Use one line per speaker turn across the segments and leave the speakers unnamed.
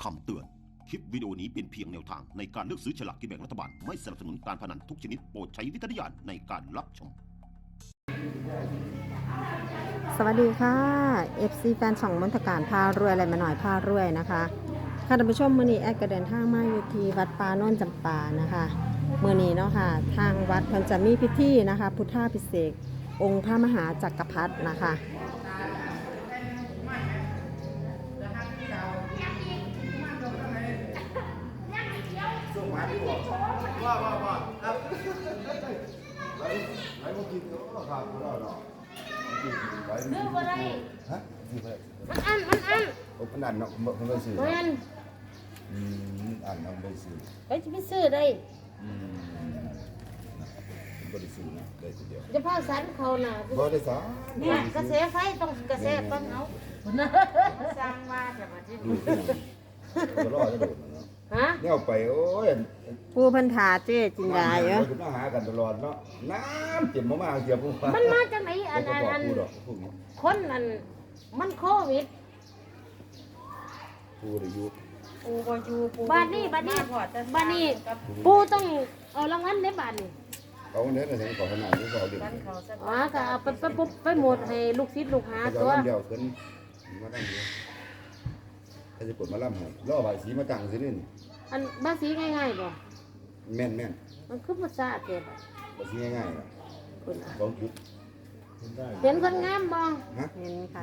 คำเตือน คลิปวิดีโอนี้เป็นเพียงแนวทางในการเลือกซื้อฉลากกินแบ่งรัฐบาล ไม่สนับสนุนการพนันทุกชนิดโปรดใช้วิจารณญาณในการรับชม
สวัสดีค่ะ FC แฟนช่องมนตการพารวยอะไรมาหน่อยพารวยนะคะค่ะท่านผู้ชมมื้อนี้แอดก็เดินทางมาอยู่ที่วัดป่าโน่นจำปานะคะมื้อนี้เนาะค่ะทางวัดเพิ่นจะมีพิธีนะคะพุทธาภิเษกองค์พระมหาจักรพรรดินะคะ
ซื้อบ่ได้ฮะซื้อบ่ได้มันอันมันอันเนาะมันบ่ซื้อมันอันเนาะบ่ซื้อไปสิไปซื้อได้บ่ได้ซื้อนะได้ทีเดียวจะพาสันเขาน่ะบ่ได้สันเนี่ยกระแสไฟต้องกระแสปังเอาสร้างว่าจะมาที่ดูก็รอจะโดดเนาะฮะเนี่ยไปโอ้ย
ผู้เพิ่นถาเจ้จินดาเยอะ
มาหากันตลอดเนาะน้ำเจ็บมากๆเสียผู้ฟัง
มันมาจากไหนอันคนอันมันโควิด
ปูได้อยู่
ปูบ่อยู่ปูบ้านนี้ปูต้องเอารางวัลในบ้านนี่
เขาเนี่ยนะถึงขอขนาดนี้ก็เอาเด็ก
อ๋อก็เอาไปหมดให้ลูกศิษย์ลูกหาตัว
เดียวขึ้นมาตั้งเดียวถ้าจะกดมาล่ำให้ล่อใบสีมาตั้งสินี่
อันบ้าสีง่ายๆบ่
แม่น
มันคือภาษาเก็บ
ใบสีง่ายๆนะ2 จุด
เห็นคนงามบ่
เห็นค่ะ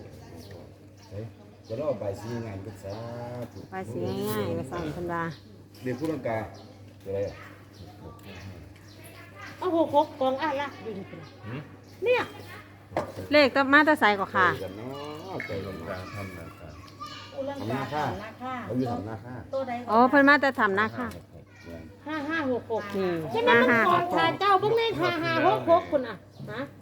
จะล่อใบสีง่ายก็สาธุ
ใบสีง่ายๆก็สั่งธรรมดา
เรียนผู้ลังกาอะไรอ่ะ
เอา6กองละดิเนี่ย
เลขมาตะไซก็ค่ะ
ใจลงกาทำนาคาเขาอยู่ทำนาคา
อ๋อเพิ่นมาแต่ทำนาคา
5566นี่ใช่ไหมมันของข้าเจ้าเบิ่งใน5566คุณอ่ะฮะ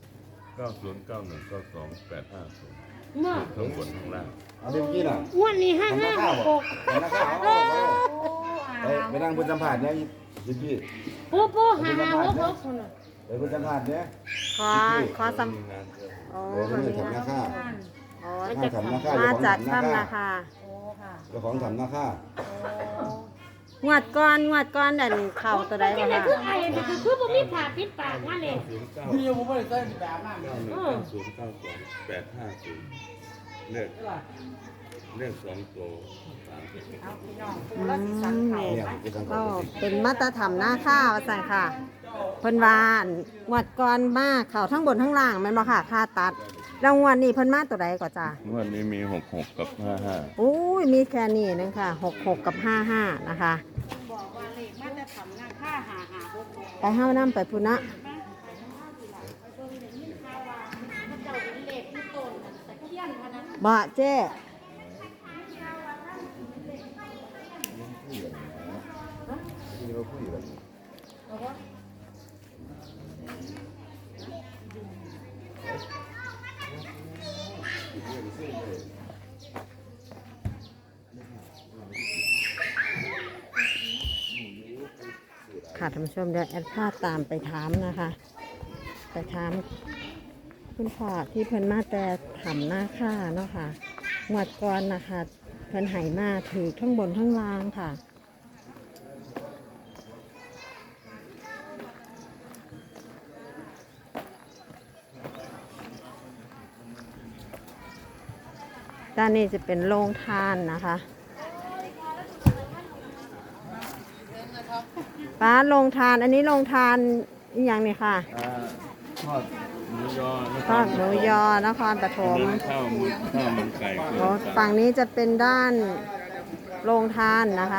90919285
มา
ทั้งบนทั้งล่าง
เอาเมื่อกี้น่ะ
งวดนี้5566
นาคาไปนั่งบนสัมผัสเนี่ยพี่
ปู5566คุณน่ะ
ไปบนสัมผัสเนี่ย
ขอสัม
โอ้คนนี้ทำนาคาทำนาคา
มาจากถ้ำนาคา
เจ้าของทำนาคา
งวดก้อนดันเข่าตัวใด
บ่ค่ะคือไอ้นี่คือบ่มีผ้าปิดปากมาเลย
มีอยู่บ่ได้ใส่แบบนั้น90928550เลข2ตัว
ก็เป็นมาตรฐานหน้าข้าวสั่งค่ะเพิ่นวานงวดก่อนมาเข่าทั้งบนทั้งล่างแม่นบ่ค่ะค่าตัดรางวัลนี้เพิ่นมาตัวใดก่อนจ้ะ
งวดนี้มี66กับ55
อุ้ยมีแค่นี้นึงค่ะ66กับ55นะคะ
บอกว่าเลขมาตรฐานหน้าค่า5566
ไปเฮานำไปพุ่นนะบ่เจ้ค่ะท่านผู้ชมเดี๋ยวแอดพาตามไปถามนะคะไปถามคุณพ่อที่เพิ่นมาแต่ทำหน้าค่าเนาะค่ะงวดก่อนนะคะเพิ่นไหมาถือทั้งบนทั้งล่างค่ะด้านนี้จะเป็นโรงทานนะคะป้าโรงทานอันนี้โรงทานอีกอย่างนี่ค่ะ
ทอดหมูยอ
นครปฐม
ข้าวมันไก่
ฝั่งนี้จะเป็นด้านโรงทานนะคะ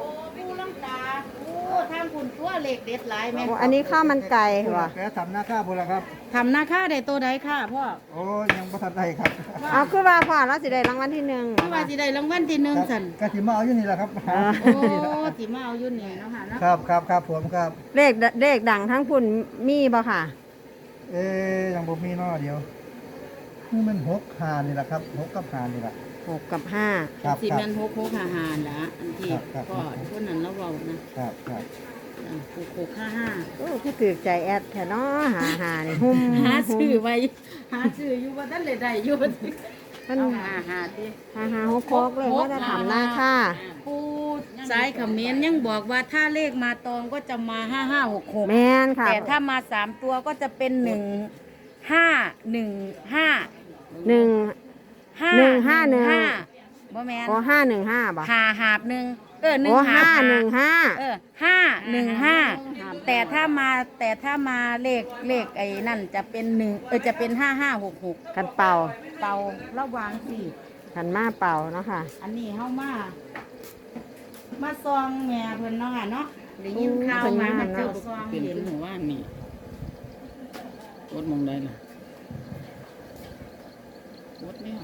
ทางคุณตัวเหล็กเด็ดหลายแม่
อันนี้ข้าวมันไก่ว่ะ
แกทำหน้าค่าบุญละครับ
ทำหน้าค่าได้ตัวใดค่ะพ่อ
โอ้ยังไม่ทันได้ครับ
เอาคือว่าพ่อเราสิได้รางวัลที่1
คือว่าสิได้รางวัลที่1สั่น
กะสิมาเอาอยู่นี่แหละครับ
โอ้สิมาเอาอยู่นี่เนาะค่ะ
ครับผมครับ
เลขดังทั้งพุ่นมีบ่ค่ะ
ยังบ่มีเนาะเดี๋ยวนี่มัน6 5นี่แหละครับ6กับ5นี่แหละ
6กับ5
สิแม่น6 6 5ละอันที่พ่อคนนั้นเราเว้านะครับ655
โอ้คือถือใจแอดแท้เนาะหานี่หุ่ม
หาชื่อไว้หาชื่ออยู่บ่ทันได้อยู่
ท่าน
เอาหาดิ
5566เลยว่าจะทำหน้าค่ะ
ปูสายเขมิ้นยังบอกว่าถ้าเลขมาตองก็จะมา5566
แม่นค่ะ
แต่ถ้ามา3ตัวก็จะเป็น1515
หนึ่ง
515บ่แม่น
โอ้515บ่
หาบหนึ่งหนึ่
โอ้
งหาบ
515
515แต่ถ้ามาเลขไอ้นั่นจะเป็นจะเป็น5566
กันเป่า
เป่าระวังสิ
กันมาเป่าเนาะค่ะ
อันนี้เฮามาซองแม่เพิ่นเนาะค่ะเนาะได้ยินข่าวมาเจ้าซองเห็นหมู่ว่านี่รถมองได้ล่ะรถเนี่ย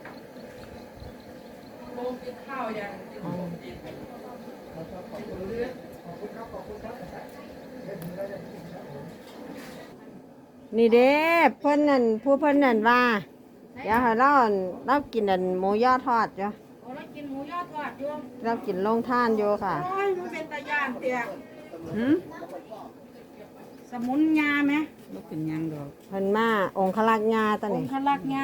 นี่เด้เพิ่นนั่นผู้เพิ่นนั่นว่าเดี๋ยวให้เรากินอันหมูยอทอดจ้ะ
โอ้แล้วกินหมูยอดทอดอยู่
เรากินลงท่านอยู่ค่ะ
โอ้ยมันเป็นตะย่านเตียสมุนยาไหมบ่เป็นหยังดอก
เพิ่นมาองคลักษ์ญาตะ
อง
นี่
ค์ขลักยา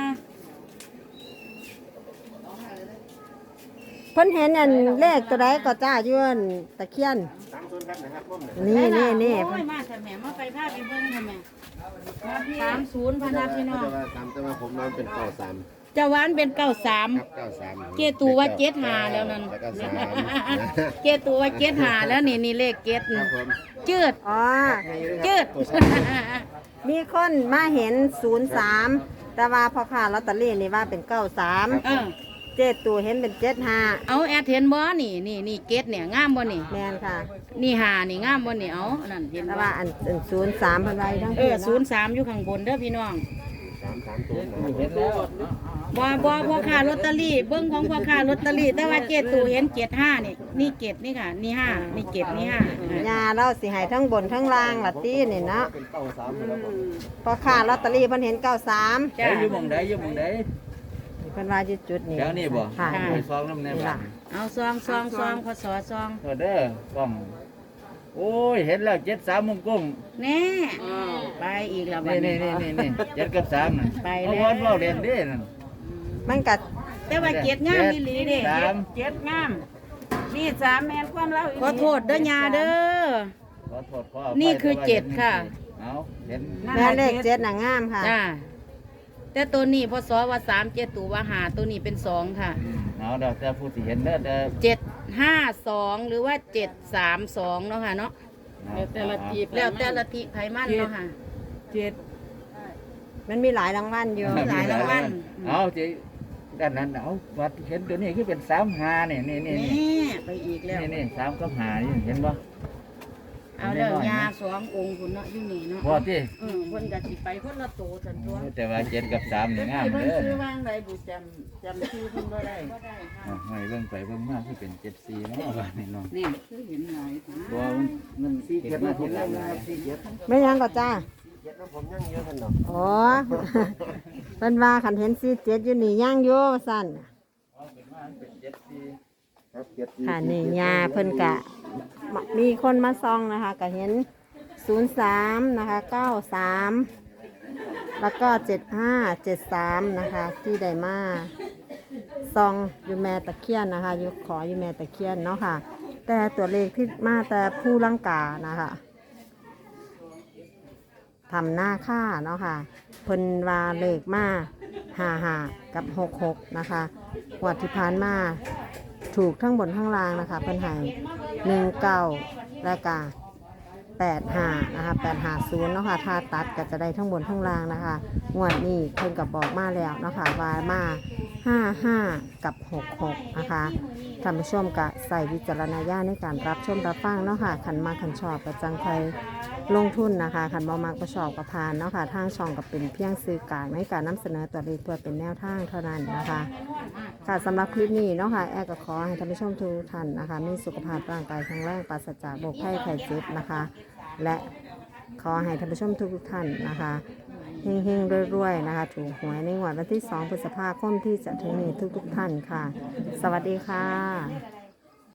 เพิ่นเห็นอันเลขตัวใดก็จ้าอยู่อันตะเคียนนี่
โอ้
เพิ่
ย
น
มาแต่แม่มาไปพาไปเบิ่งทำไม30พนักพี่น้อง
แต่ว่าตามแต่ว่าผมนอนเป็นเก้าสาม
เจ้าหวานเป็น93
ครับเก้าสาม
เจตูว่า75แล้วนั่น
แล้วก็สาม
เจตูว่า75แล้วนี่เลขเกต
ครับผม
จืด
อ๋อ
จืด
มีคนมาเห็น03แต่ว่าพ่อค้าลอตเตอรี่นี่ว่าเป็น93
เออ
เจ็ดตัวเห็นเป็น75
เอาแอดเห็นบ่นี่เกตเนี่ยงามบ่นี่
แม่นค่ะ
นี่หานี่งามบ่นี่เอานั่นเห็น
แต่
บ่
ว่าอัน03เพิ่นไว้ทั้ง
03อยู่ข้างบนเด้อพี่น้อง
สามตัวนะ
เห็นแล้ว
บ่พ่อค้าลอตเตอรี่เบิ่งของพ่อค้าลอตเตอรี่แต่ว่าเจตูเห็น75นี่เกตนี่ค่ะนี่5นี่เกตนี่5
ยาเราสิให้ทั้งบนทั้งล่างล่ะตินี่เนาะ
เป็นเก้าสามแล้วผม
พ่อค้าลอตเตอรี่เพิ่นเห็น93
จ้า
อยู่หมองใดอยู่หมองใด
เพิ่นว่าอยู่จุดนี้
แถวนี้บ่
ค่ะ
ไปซองน้ำแน่
นี่
บ้า
ล่ะ
น
เอาซองพศซอง
เด้อกล้องโอ้ยเห็นแล้ว73มุมกุ้ง
แน่ไปอีกแล้วบัด
นี่
นี้
7กับ3นั่น
ไป
เอา
แล้ว
วันเว้าเรียนเด้นั่น
มันก็
แต่ว่าเกตงามอีหลีเด้
สาม
เกตงามนี่3แม่นความเล่าขอโทษเด้อยาเด้อ
ขอโทษขออภัย
นี่คือ
แต่ว่า
เจ็ดค่ะ
เอาเห็น
แม่เลข7น่ะงามค่ะ
จ้าแต่ตัวนี้พศว่า3 7ตัวว่า5ตัวนี้เป็น2ค่ะ
เอาเดี๋ยวแต่ผู้ที่เห็นเด้อแต่
752หรือว่า732เนาะค่ะเนาะ แล้วแต่ละทีไผมันเนาะค่ะ
มันมีหลายรางวัลอยู่
หลายรางวัล
เอาจีด้านนั้นเอาวัดเห็นตัวนี้คือเป็น3-5นี่นี่
นี่ไปอีกแล้ว
นี่3กับ5นี่เห็นบ่
เอาเด้อยา2องค์พุ่นเนาะอยู่นี่เนาะ
บ่ที่
เพิ่นก็สิไปคนละโตซั่นตัว
แต่ว่า7กับ3นี่งาม
เพิ่น
เด้อ
ซื้อวางไดบุจำชื่อเพิ่นบ่ได้บ่ได้ค่ะ
เอาให้เบิ่งไปเบิ่งมาที่เป็น74เนาะว่านี่เนาะ
นี่คือเห็นหลายค่ะ
บ่มันเห็นมาทีหลังนะ
ไม่ยังก็จ้า
เจ็ดแล้วผมยังเยอะกันเนาะ
อ๋อ เพิ่นว่าคันเห็น47อยู่นี่ย่างอยู่ว่าซั่น
ครับเจ็ด
ค่ะนี่ยาเพิ่นกะมีคนมาซองนะคะก็เห็น03นะคะ93แล้วก็7573นะคะที่ได้มาซองอยู่แม่ตะเคียนนะคะอยู่ขออยู่แม่ตะเคียนเนาะค่ะ แต่ตัวเลขที่มาแต่ผู้ลังกานะคะทำหน้าค่าเนาะค่ะเพิ่นว่าเลขมา55กับ66นะคะงวดที่ผ่านมาถูกทั้งบนทั้งล่างนะคะเพิ่นให้19และก็85นะคะ850เนาะค่ะถ้าตัดก็จะได้ทั้งบนทั้งล่างนะคะงวดนี้เพิ่นก็บอกมาแล้วเนาะค่ะว่ามา55กับ66นะคะท่านผู้ชมก็ใส่วิจารณญาณในการรับชมรับฟังเนาะค่ะขันมาขันชอบก็จังใครลงทุนนะคะขันบ่มักประชอบกับพานเนาะค่ะทางช่องก็เป็นเพียงสื่อกลางในการนำเสนอตัวเลขเพื่อเป็นแนวทางเท่านั้นนะคะค่ะสำหรับคลิปนี้เนาะค่ะแอร์ก็ขอให้ท่านผู้ชมทุกท่านนะคะมีสุขภาพร่างกายแข็งแรงปราศจากโรคภัยไข้เจ็บนะคะและขอให้ท่านผู้ชมทุกท่านนะคะเฮงๆรวยๆนะคะถูกหวยในงวดวันที่2 พฤษภาคมที่จะถึงนี้ทุกท่านค่ะ สวัสดีค่ะ